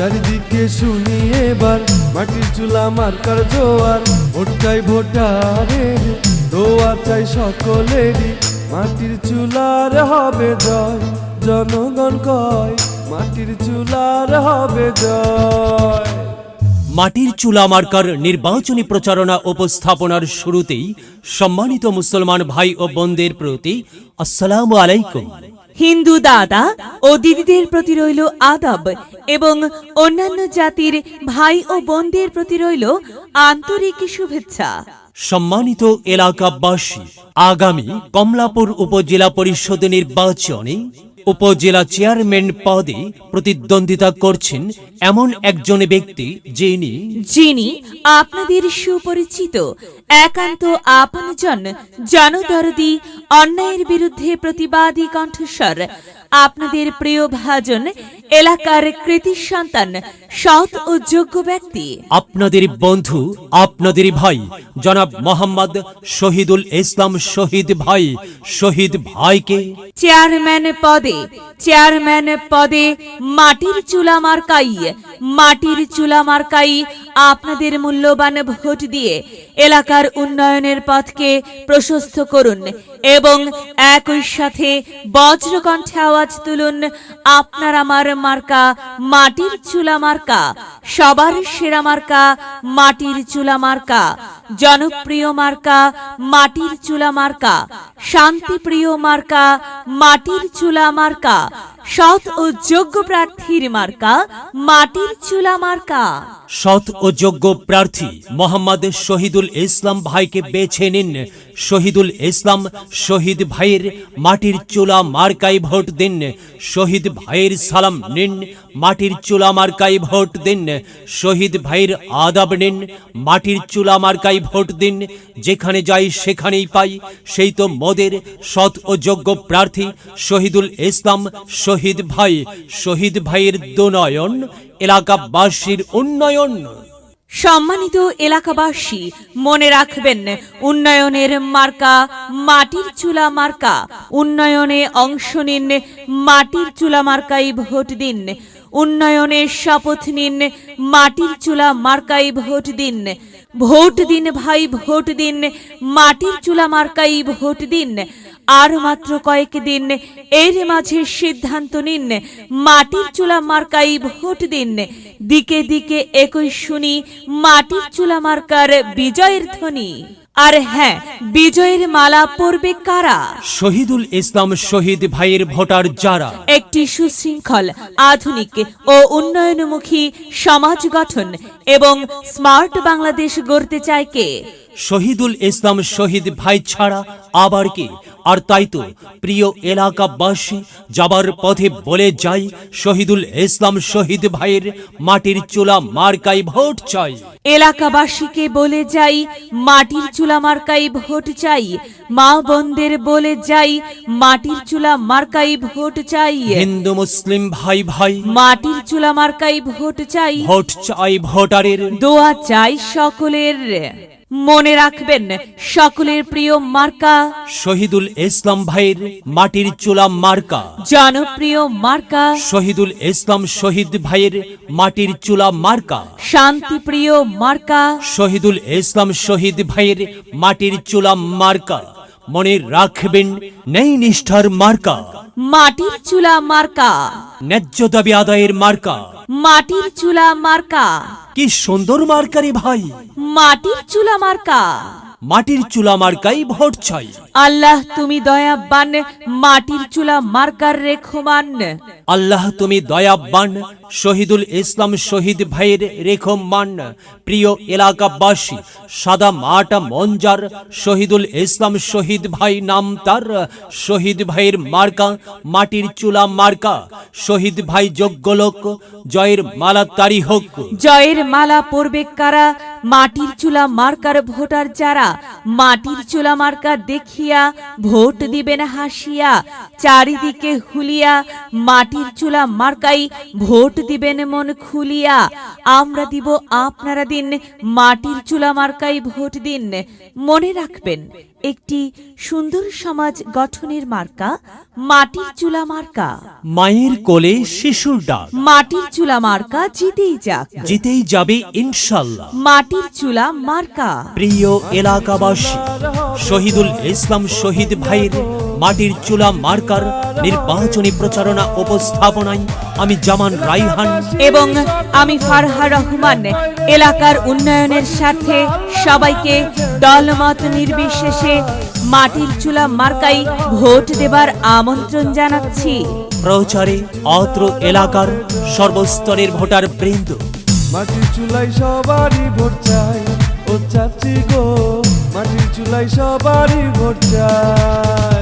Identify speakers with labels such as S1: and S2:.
S1: চারিদিকে শুনি এবার মাটির চুলা মার্কার জোয়ার। ভোট চাই ভোটারের, দোয়া চাই সকলেরই, মাটির চুলার হবে জয়। জনগণ কয় মাটির চুলার হবে জয়।
S2: মাটির চুলা মার্কার নির্বাচনী প্রচারণা উপস্থাপনার শুরুতেই সম্মানিত মুসলমান ভাই ও বোনদের প্রতি আসসালামু আলাইকুম।
S3: হিন্দু দাদা ও দিদিদের প্রতি রইল আদাব এবং অন্যান্য জাতির ভাই ও বোনদের প্রতি রইল আন্তরিক শুভেচ্ছা।
S2: সম্মানিত এলাকাবাসী, আগামী কমলাপুর উপজেলা পরিষদ নির্বাচনে উপজেলা চেয়ারম্যান পদে প্রতিদ্বন্দ্বিতা করছেন এমন একজন ব্যক্তি যিনি
S3: আপনাদের সুপরিচিত, একান্ত আপনজন, জনদরদি, অন্যায়ের বিরুদ্ধে প্রতিবাদী কণ্ঠস্বর, আপনাদের প্রিয় ভাজন, এলাকার কৃতি সন্তান, সৎ ও যোগ্য ব্যক্তি,
S2: আপনাদের বন্ধু, আপনাদের ভাই জনাব মোহাম্মদ শহীদুল ইসলাম শহীদ ভাইকে
S3: চেয়ারম্যান পদে মাটির চুলা মার্কাই আপনাদের মূল্যবান ভোট দিয়ে এলাকার উন্নয়নের পথকে প্রশস্ত করুন এবং একই সাথে বজ্রকণ্ঠে আওয়াজ তুলুন, আপনার আমার মার্কা মাটির চুলা মার্কা, সবার সেরা মার্কা মাটির চুলা মার্কা, জনপ্রিয় মার্কা মাটির চুলা মার্কা, শান্তিপ্রিয় মার্কা মাটির চুলা মার্কা, সৎ ও যোগ্য প্রার্থীর মার্কা মাটির চুলা মার্কা।
S2: সৎ ও যোগ্য প্রার্থী মোহাম্মদ শহীদুল ইসলাম ভাইকে বেছে নিন। শহীদুল ইসলাম শহীদ ভাইয়ের মাটির চুলা মার্কায় ভোট দিন। শহীদ ভাইয়ের সালাম নিন, মাটির চুলা মার্কায় ভোট দিন। শহীদ ভাইয়ের আদাব নিন, মাটির চুলা মার্কায় ভোট দিন। যেখানে যাই সেখানেই পাই, সেই তো মোদের সৎ ও যোগ্য প্রার্থী শহীদুল ইসলাম শহীদ ভাইয়ের দুনয়ন, এলাকাবাসীর উন্নয়ন।
S3: সম্মানিত এলাকাবাসী, মনে রাখবেন, উন্নয়নের মার্কা মাটির চুলা মার্কা। উন্নয়নে অংশ নিন, মাটির চুলা মার্কাই ভোট দিন। উন্নয়নের শপথ নিন, মাটির চুলা মার্কাই ভোট দিন। ভোট দিন ভাই, ভোট দিন, মাটির চুলা মার্কাই ভোট দিন। আর মাত্র কয়েক দিন, এর মাঝে সিদ্ধান্ত নিন, মাটির চুলা মার্কাই ভোট দিন। দিকে দিকে একই শুনি মাটির চুলা মার্কার বিজয়ের ধ্বনি। আর হ্যাঁ, বিজয়ের মালা পরবে কারা?
S2: শহীদুল ইসলাম শহীদ ভাইয়ের ভোটার যারা
S3: একটি সুশৃঙ্খল, আধুনিক ও উন্নয়নমুখী সমাজ গঠন এবং স্মার্ট বাংলাদেশ গড়তে চায় কে?
S2: শহীদুল ইসলাম শহীদ ভাই ছাড়া আবার কে? আর তাই তো প্রিয় এলাকাবাসী, যাবার পথে বলে যাই, শহীদুল ইসলাম শহীদ ভাইয়ের মাটির চুলা মার্কাই ভোট চাই।
S3: এলাকাবাসীকে বলে যাই, মাটির চুলা মার্কাই ভোট চাই। মা বোনদের বলে যাই, মাটির চুলা মার্কাই ভোট চাই।
S2: হিন্দু মুসলিম ভাই
S3: মাটির চুলা মার্কাই ভোট চাই।
S2: ভোট চাই ভোটারের,
S3: দোয়া চাই সকলের। মনে রাখবেন, সকলের প্রিয় মার্কা
S2: শহীদুল ইসলাম ভাইয়ের মাটির চুলা মার্কা,
S3: জনপ্রিয় মার্কা
S2: শহীদুল ইসলাম শহীদ ভাইয়ের মাটির চুলা মার্কা,
S3: শান্তিপ্রিয় মার্কা
S2: শহীদুল ইসলাম শহীদ ভাইয়ের মাটির চুলা মার্কা। মনে রাখবেন, নেই নিষ্ঠার মার্কা
S3: মাটির চুলা মার্কা,
S2: ন্যায্য দাবি আদায়ের মার্কা
S3: মাটির চুলা মার্কা।
S2: কি সুন্দর মার্কারি ভাই,
S3: মাটির চুলা মার্কা।
S2: মাটির চুলা মার্কাই ভোট চাই।
S3: আল্লাহ তুমি দয়াবান, মাটির চুলা মার্কার রেখমান।
S2: আল্লাহ তুমি দয়াবান, শহীদুল ইসলাম শহীদ ভাইয়ের রেখমান। প্রিয় এলাকাবাসী, সাদা মাটা মঞ্জার শহীদুল ইসলাম শহীদ ভাই নাম তার। শহীদ ভাইয়ের মার্কা মাটির চুলা মার্কা। শহীদ ভাই যোগ্য লোক, জয়ের মালা তারি হোক।
S3: জয়ের মালা পরবে কারা? মাটির চুলা মার্কার ভোটার যারা। মাটির চুলা মার্কা দেখিয়া ভোট দিবেন হাসিয়া। চারিদিকে হুলিয়া মাটির চুলা মার্কাই ভোট দিবেন মন খুলিয়া। আমরা দিব, আপনারা দিন, মাটির চুলা মার্কাই ভোট দিন। মনে রাখবেন, একটি সুন্দর সমাজ গঠনের মার্কা মাটির চুলা মার্কা।
S2: মায়ের কোলে শিশুর ডাক,
S3: মাটির চুলা মার্কা জিতেই যাক,
S2: জিতেই যাবে ইনশাল্লাহ।
S3: মাটির চুলা মার্কা।
S2: প্রিয় এলাকাবাসী, শহীদুল ইসলাম শহীদ ভাইয়ের মাটির চুলা মার্কার নির্বাচনী প্রচারণা উপস্থাপনায় আমি জামান রাইহান
S3: এবং আমি ফারহা রহমান এলাকার উন্নয়নের স্বার্থে সবাইকে দলমত নির্বিশেষে মাটির চুলা মার্কাই ভোট দেবার আমন্ত্রণ জানাচ্ছি।
S2: প্রচারে অত্র এলাকার সর্বস্তরের ভোটার বৃন্দ।
S1: মাটির চুলাই সবারই ভোট চাই, ও চাচি গো, মাটির চুলাই সবারই ভোট চাই।